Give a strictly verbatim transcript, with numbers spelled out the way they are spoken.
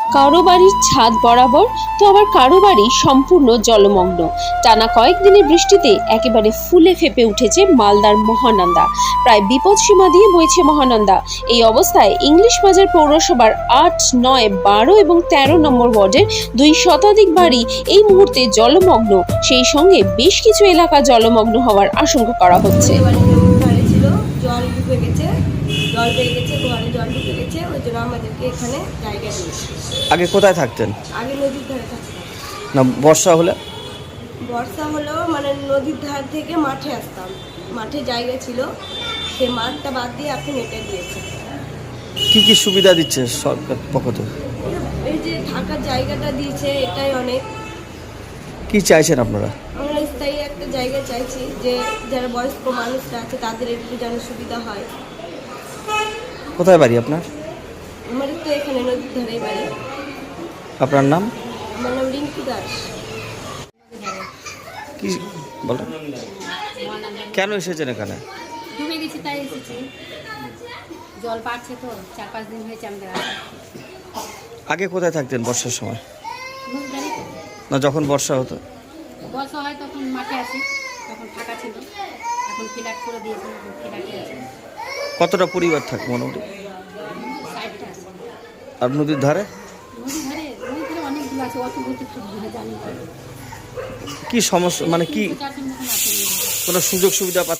কারো বাড়ির ছাদ বরাবর, তো আবার কারো বাড়ি সম্পূর্ণ জলমগ্ন। টানা কয়েকদিনের বৃষ্টিতে একেবারে ফুলে ফেপে উঠেছে মালদার মহানন্দা। প্রায় বিপদসীমা দিয়ে বইছে মহানন্দা। এই অবস্থায় ইংলিশ বাজার পৌরসভার আট, নয়, বারো এবং তেরো নম্বর ওয়ার্ডের দুই শতাধিক বাড়ি এই মুহূর্তে জলমগ্ন। সেই সঙ্গে বেশ কিছু এলাকা জলমগ্ন হওয়ার আশঙ্কা করা হচ্ছে। জল ঢুকে গেছে, জল পেয়ে গেছে, ঘরে জল ঢুকে গেছে, ওই জন্য আমাদেরকে এখানে জায়গা দিয়েছে। আগে কোথায় থাকতেন? আগে নদীর ধারে থাকতাম। না বর্ষা হলে? বর্ষা হলেও মানে নদীর ধার থেকে মাঠে আসতাম, মাঠে জায়গা ছিল, সেই মাঠটা বাদ দিয়ে এখন এটা দিয়েছে। কি কি সুবিধা দিচ্ছে সরকার পক্ষ থেকে? এই যে থাকার জায়গাটা দিয়েছে, এটাই অনেক। কি চাইছেন আপনারা? আমরা স্থায়ী একটা জায়গা চাইছি, যে যারা বয়স্ক মানুষরা আছে তাদের একটু যেন সুবিধা হয়। কোথায় বাড়ি আপনার? আমাদের তো এখানে নদীর ধারেই বাড়ি। আপনার নাম? আমার নাম রিঙ্কু দাস। কি বলেন, কেন এসেছেন এখানে? ডুবে গেছি তাই এসেছি। জল বাড়ছে তো, চার পাঁচ দিন হয়েছে আমাদের আসা। আগে কোথায় থাকতেন বর্ষার সময়? নদীধারে তো। না যখন বর্ষা হতো? বর্ষা হয় তখন মাঠে আসি, তখন ফাঁকা ছিল। এখন ফ্ল্যাট করে দিয়েছে, ফ্ল্যাটে আছে। কতটা পরিবার থাকে মোটামুটি? সাইডটা আছে আর নদীর ধারে? নদীর ধারে, নদীর ধারে অনেক দূর আছে, অত বলতে খুব দূরে জানি না। কি সমস্যা, মানে কি চারজন মতন আছে নদীর ধারে। কোনো সুযোগ সুবিধা পাচ্ছেন?